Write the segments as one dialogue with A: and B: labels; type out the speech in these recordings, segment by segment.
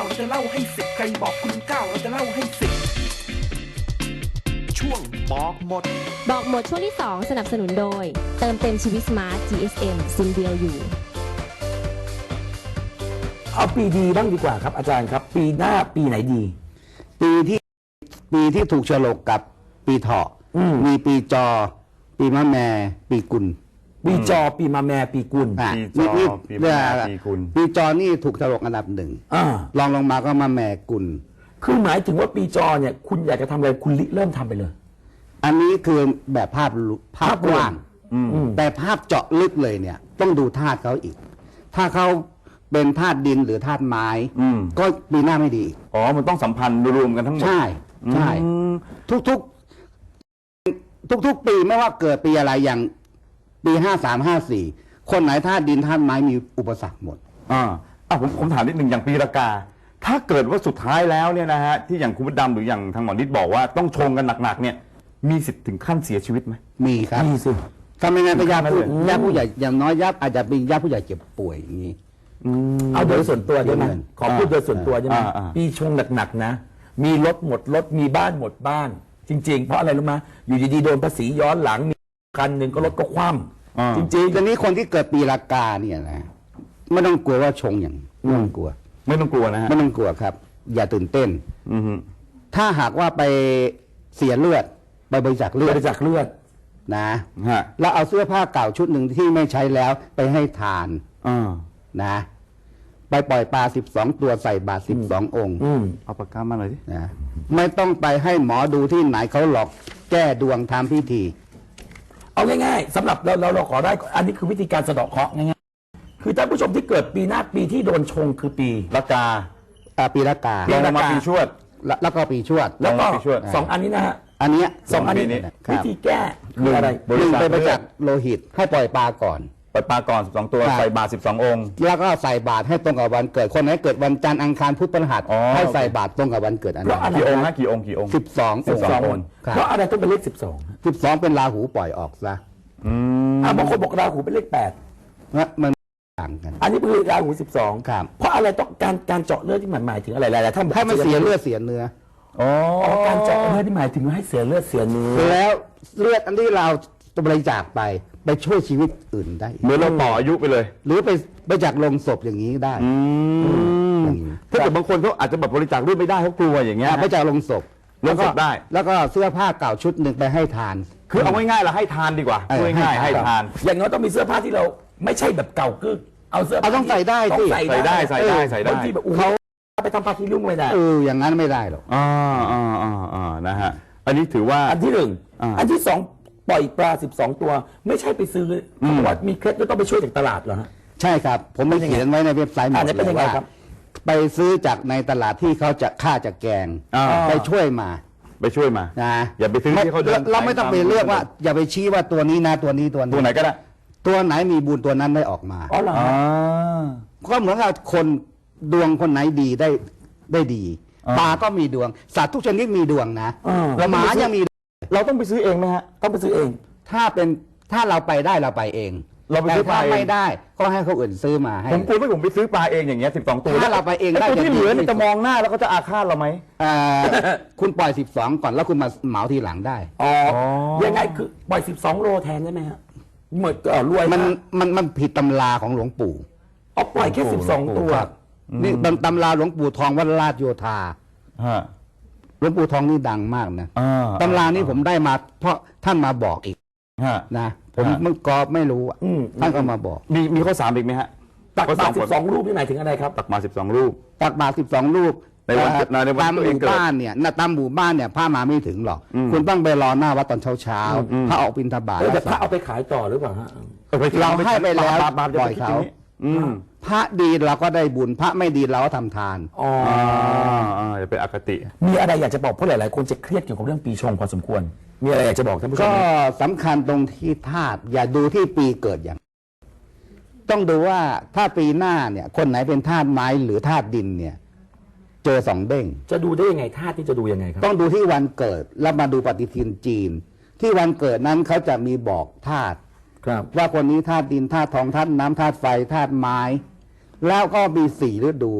A: เราจะเล่าให้สิบใครบอกคุณเก้าเราจะเล่าให้สิบช่วงบอกหมด
B: บอกหมดช่วงที่ 2 สนับสนุนโดยเติมเต็มชีวิตสมาร์ท GSM ซิมเดียวอยู่
A: เอาปีดีบ้างดีกว่าครับอาจารย์ครับปีหน้าปีไหนดี
C: ปีที่ถูกฉลกกับปีเถาะมีปีจอ ปีมะแม่ปีกุล
A: ปีจอปีมะแม่ปีกุล
C: ปีจอปีมะแม่ปีกุลปีจอนี่ถูกฉลกอันดับหนึ่งลองลงมาก็มะแม่กุล
A: คือหมายถึงว่าปีจอเนี่ยคุณอยากจะทำอะไรคุณเริ่มทำไปเลย
C: อันนี้คือแบบภาพกว้างแต่ภาพเจาะลึกเลยเนี่ยต้องดูธาตุเขาอีกถ้าเขาเป็นธาตุดินหรือธาตุไม้ก็ปีหน้าไม่ดี
D: อ๋อมันต้องสัมพันธ์รวมกันทั้งหมด
C: ใช่ทุกปีไม่ว่าเกิดปีอะไรอย่างปี53 54คนไหนธาตุดินธาตุไม้มีอุปสรรคหมด
D: ผมถามนิดหนึ่งอย่างปีละกาถ้าเกิดว่าสุดท้ายแล้วเนี่ยนะฮะที่อย่างคุณดำหรืออย่างทางหมอนิดบอกว่าต้องชงกันหนักๆเนี่ยมีสิทธิ์ถึงขั้นเสียชีวิตไหม
C: มีครับ
A: มีสิ
C: ทำไมงั้นญาติผู้ใหญ่อย่างน้อยญาติอาจจะเป็นญาติผู้ใหญ่เจ็บป่วยอย่างนี้
A: เอาโดยส่วนตัวได้ไหมขอพูดโดยส่วนตัวได้ไหมปีชงหนักๆนะมีรถหมดรถมีบ้านหมดบ้านจริงๆเพราะอะไรรู้ไหมอยู่ดีๆโดนภาษีย้อนหลังมีคันหนึ่งก็รถก็คว่ำจริงๆ
C: ตอนนี้คนที่เกิดปีละกาเนี่ยนะไม่ต้องกลัวว่าชงอย่างไม่ต้องกลัว
D: ไม่ต้องกลัวนะฮะ
C: ไม่ต้องกลัวครับอย่าตื่นเต้นถ้าหากว่าไปเสียเลือดไปบริจาคเลือดนะแล้วเอาเสื้อผ้าเก่าชุดหนึ่งที่ไม่ใช้แล้วไปให้ทานนะไปปล่อยปลา12 ตัวใส่บาตร12 องค์
D: เอาปากกามาหน่อยดิ
C: นะไม่ต้องไปให้หมอดูที่ไหนเขาหลอกแก้ดวงทำพิธี
A: เอาง่ายๆสำหรับเราขอได้อันนี้คือวิธีการสะเดาะเคราะห์ง่ายๆคือท่านผู้ชมที่เกิดปีหน้าปีที่โดนชงคือปี
D: ละกา
C: ปีละกา
D: ลงมาปีชวด
C: แล้วก็ปีชวด
A: แล้วก็2 อันนี้นะฮะ
C: อันนี้
A: 2 อันนี้วิธีแก้คืออะไร
C: ไปบริจาคโลหิตให้ปล่อยปลาก่อน
D: ปล่อยปลาก่อน12 ตัวใส่บาตร12 องค์
C: แล้วก็ใส่บาตรให้ตรงกับวันเกิดคนไหนเกิดวันจันทร์อังคารพุธพฤหัสให้ใส่บาตรตรงกับวันเกิดอันนั้น
D: กี่องค์นะกี่องค์
C: 12
A: องค์เพราะอะไรต้องเป็นเลข
C: 12เป็นราหูปล่อยออกซะ
A: บางคนบอกราหูเป็นเลข8
C: มันต่างกัน
A: อันนี้คือราหู12
C: ครับ
A: เพราะอะไรต้องการเจาะเลือดที่หมายถึงอะไรหลายๆท่าน
C: ให้มันเสียเลือดเสียเนื้อ
A: การเจาะเลือดที่หมายถึงให้เสียเลือดเสียเนื้อ
C: แล้วเลือดอันที่เราบริจาคไปช่วยชีวิตอื่นได้
D: เหมือนเราต่ออายุไปเลย
C: หรือไปบริจาคลงศพอย่างนี้ได้
D: ถ้าเกิดบางคนเขาอาจจะแบบบริจาคเลือดไม่ได้เขากลัวอย่างเงี้ย
C: บริจาคลงศพ
D: แล้วก็ได้
C: แล้วก็เสื้อผ้าเก่าชุดหนึ่งไปให้ทาน
D: คือเอาง่ายๆเราให้ทานดีกว่าง่ายๆให้ทาน
A: อย่างน้อยต้องมีเสื้อผ้าที่เราไม่ใช่แบบเก่ากึกเอาเสื้อผ้า
C: ต้องใส่ได้ที่
D: ใส่ได้บาง
A: ทีแบบเขาไปทำผ้าที่ลุ่งไม่ได้
C: อย่างนั้นไม่ได้หรอก
D: นะฮะอันนี้ถือว่า
A: อันที่1อันที่2ปล่อยปลา12 ตัวไม่ใช่ไปซื้อเพราะว่ามีเคล็ดก็ต้องไปช่วยจากตลาดเหรอฮะ
C: ใช่ครับผมไม่เขียนไว้ในเว็บไซต์หมดเลยว่าไปซื้อจากในตลาดที่เขาจะฆ่าจากแกงไปช่วยมานะ
D: อย่าไปซื้อที่เขา
C: เราไม่ต้องไปเลือกว่าอย่าไปชี้ว่าตัวนี้นะตัว
D: ไหนก็ได้
C: ตัวไหนมีบุญตัวนั้นได้ออกมา
A: อ๋อเหรอ
C: ก็เหมือนกับคนดวงคนไหนดีได้ดีปลาก็มีดวงสัตว์ทุกชนิดมีดวงนะแล้วหมายังมี
D: เราต้องไปซื้อเองไหมฮะ
A: ต้องไปซื้อเอง
C: ถ้าเราไปได้เราไปเอง
D: เราไปซื้อปลา
C: ไม่ได้ก็ให้เขาอื่นซื้อมาให้
D: ผมกลัวว่าผมไปซื้อปลาเองอย่างเงี้ย12 ตัว
C: ถ้าเราไปเองได้
D: ตัวที่เหลือนี่จะมองหน้าแล้วก็จะอาฆาตเราไหม
C: คุณปล่อย12ก่อนแล้วคุณมาเหมาทีหลังได้
A: ยังไงคือปล่อย12 โลแทนได้ไหมฮะเหมือนรวย
C: มันผิดตำราของหลวงปู่
A: ปล่อยแค่12 ตัว
C: นี่ตำราหลวงปู่ทองวัดราชโยธาหลวงปู่ทองนี่ดังมากนะตำรานี้ผมได้มาเพราะท่านมาบอกอีกนะผมเมื่อก่อนไม่รู้ท่านก็มาบอก
D: มีข้อ3อีกไหมฮะ
A: ตักบาตร12 รูปนี่หมายถึงอะไรครับ
D: ตักบาตร12 รูป
C: ตักบาตร12 รูป
D: ในวัน
C: ตามหมู่บ้านเนี่ยตามหมู่บ้านเนี่ยพระมาไม่ถึงหรอกคุณต้องไปรอหน้าวัดตอนเช้าพระออกบิณฑบาต
A: แต่พระเอาไปขายต่อหรือเปล่าฮะ
C: เราให้ไปแล้วปล่อยเขาพระดีเราก็ได้บุญพระไม่ดีเราก็ทำทาน
D: จะเป็นอคติ
A: มีอะไรอยากจะบอกเพราะหลายๆคนจะเครียดเกี่ยวกับเรื่องปีชงพอสมควรมีอะไรอยากจะบอกท่านผู้ชม
C: ก็สำคัญตรงที่ธาตุอย่าดูที่ปีเกิดอย่างต้องดูว่าถ้าปีหน้าเนี่ยคนไหนเป็นธาตุไม้หรือธาตุดินเนี่ยเจอ2 เด้ง
A: จะดูได้ยังไงธาตุที่จะดูยังไงครับ
C: ต้องดูที่วันเกิดแล้วมาดูปฏิทินจีนที่วันเกิดนั้นเขาจะมีบอกธาตุว่าคนนี้ธาตุดินธาตุทองธาตุน้ำธาตุไฟธาตุไม้แล้วก็มี4 ฤดู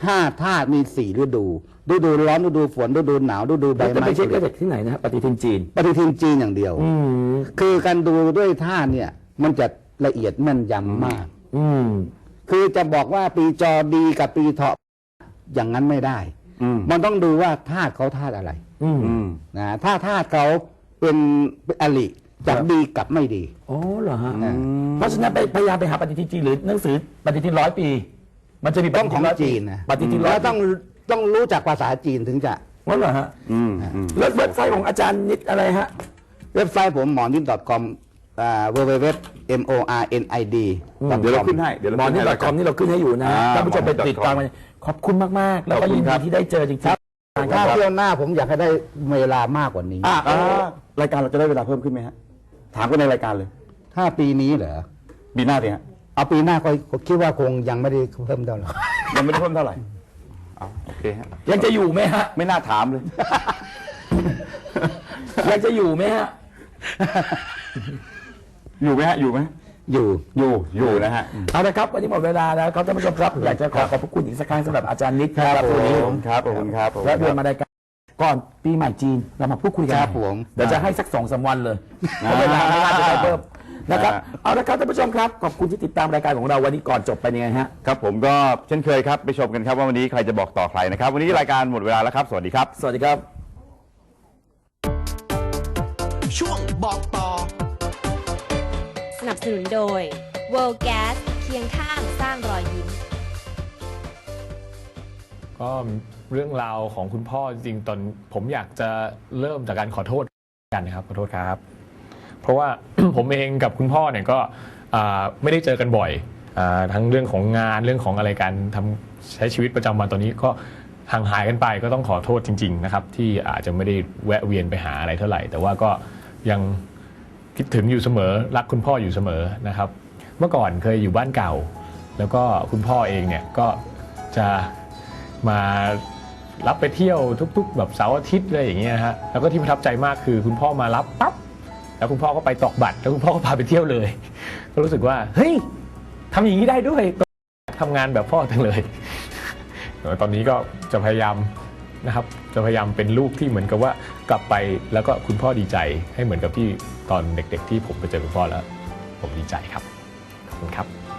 C: 5 ธาตุมี 4 ฤดู ฤดูร้อนฤดูฝนฤดูหนาวฤดูใบ
A: เราจะ
C: ไม้
A: ไปเช็ค
C: ผลิ
A: ได้จากที่ไหนนะฮะปฏิทินจีน
C: ปฏิทินจีนอย่างเดียว
A: อืม
C: คือการดูด้วยธาตุเนี่ยมันจะละเอียดแม่นยำมาก
A: อืม
C: คือจะบอกว่าปีจอดีกับปีเถาะอย่างนั้นไม่ได้ มันต้องดูว่าธาตุเขาธาตุอะไร
A: อืม
C: นะถ้าธาตุเขาเป็นอริจะดีกับไม่ดี
A: อ๋อเหรอฮะเพราะฉะนั้นไปพยายามไปหาปฏิทินจีนหรือหนังสือปฏิทิน100 ปี มันจะมีป
C: ต้อง
A: ฏิ
C: ข
A: ทิ
C: อน ง
A: 100
C: จี
A: ปี
C: นนะ
A: ปฏิทิน
C: แล้ว
A: 100
C: ต้องรู้จักภาษาจีนถึงจะ
A: งั้นเหรอฮะแล้วเว็บไซต์ของอาจารย์นิดอะไรฮะ
C: เว็บไซต์ผมหมอนิด .com www.mornid
D: เดี๋ยวเราขึ้นให้ เดี๋ยวเรา
A: หมอ
D: ขึ้น
A: นี่
D: ให้
A: ดอทคอมนี่เราขึ้นให้อยู่นะท่านผู้ชมไปติดตามกันขอบคุณมากๆ แล้วก็ยินดีที่ได้เจอจริงๆ
C: ถ้าเที่ยวหน้าผมอยากให้ได้เวลามากกว่านี้
D: รายการเราจะได้เวลาเพิ่มขึ้นไหมฮะ ถามกันในรายการเลย
C: ถ้าปีนี้เหรอ
D: ปีหน้าสิฮะ
C: เอาปีหน้าก็คิดว่าคงยังไม่ได้เพิ่มเท่าไหร่
D: ยังไม่ได้เพิ่มเท่าไหร่เอาโอเคฮะ
A: ยังจะอยู่ไหมฮะ
D: ไม่น่าถามเลย
A: ยังจะอยู่ไหมฮะ
D: อยู่ไหมฮะ อยู่ไหม
C: อยู่
D: นะฮะ
A: เอาละครับวันนี้หมดเวลาแล้วครับท่านผู้ชมครับอยากจะขอบพระคุณอีกสักครั้งสำหรับอาจารย์นิดครับวันนี้
D: ครับขอบคุณครับ
A: และเดือนมารายการก่อนปีใหม่จีนเรามาพูดคุยกัน
C: ครับผม
A: เดี๋ยวจะให้สัก2-3 วันเลยเพราะเวลาไม่น่าจะได้เพิ่มนะครับเอาละครับท่านผู้ชมครับขอบคุณที่ติดตามรายการของเราวันนี้ก่อนจบไปยังไงฮะ
D: ครับผมก็เช่นเคยครับ ไปชมกันครับว่าวันนี้ใครจะบอกต่อใครนะครับ วันนี้รายการหมดเวลาแล้วครับ สวัสดีครับ
A: สวัสดีครับ
E: ช่วงบอกต่อ
B: สนับสนุนโดย World Gas เคียงข้างสร้างรอยยิ้ม
F: ก็เรื่องราวของคุณพ่อจริงๆตอนผมอยากจะเริ่มจากการขอโทษกันนะครับขอโทษครับ เพราะว่า ผมเองกับคุณพ่อเนี่ยก็ไม่ได้เจอกันบ่อยทั้งเรื่องของงานเรื่องของอะไรการทำใช้ชีวิตประจำวันตอนนี้ก็ห่างหายกันไปก็ต้องขอโทษจริงๆนะครับที่อาจจะไม่ได้แวะเวียนไปหาอะไรเท่าไหร่ แต่ว่าก็ยังคิดถึงอยู่เสมอรักคุณพ่ออยู่เสมอนะครับ เมื่อก่อนเคยอยู่บ้านเก่า แล้วก็คุณพ่อเองเนี่ยก็จะมารับไปเที่ยวทุกๆแบบเสาร์อาทิตย์อะไรอย่างเงี้ยฮะแล้วก็ที่ประทับใจมากคือคุณพ่อมารับปั๊บแล้วคุณพ่อก็ไปตอกบัตรแล้วคุณพ่อก็พาไปเที่ยวเลย ก็รู้สึกว่าเฮ้ยทำอย่างนี้ได้ด้วยทำงานแบบพ่อจังเลย ตอนนี้ก็จะพยายามนะครับจะพยายามเป็นลูกที่เหมือนกับว่ากลับไปแล้วก็คุณพ่อดีใจให้เหมือนกับที่ตอนเด็กๆที่ผมไปเจอคุณพ่อแล้วผมดีใจครับขอบคุณครับ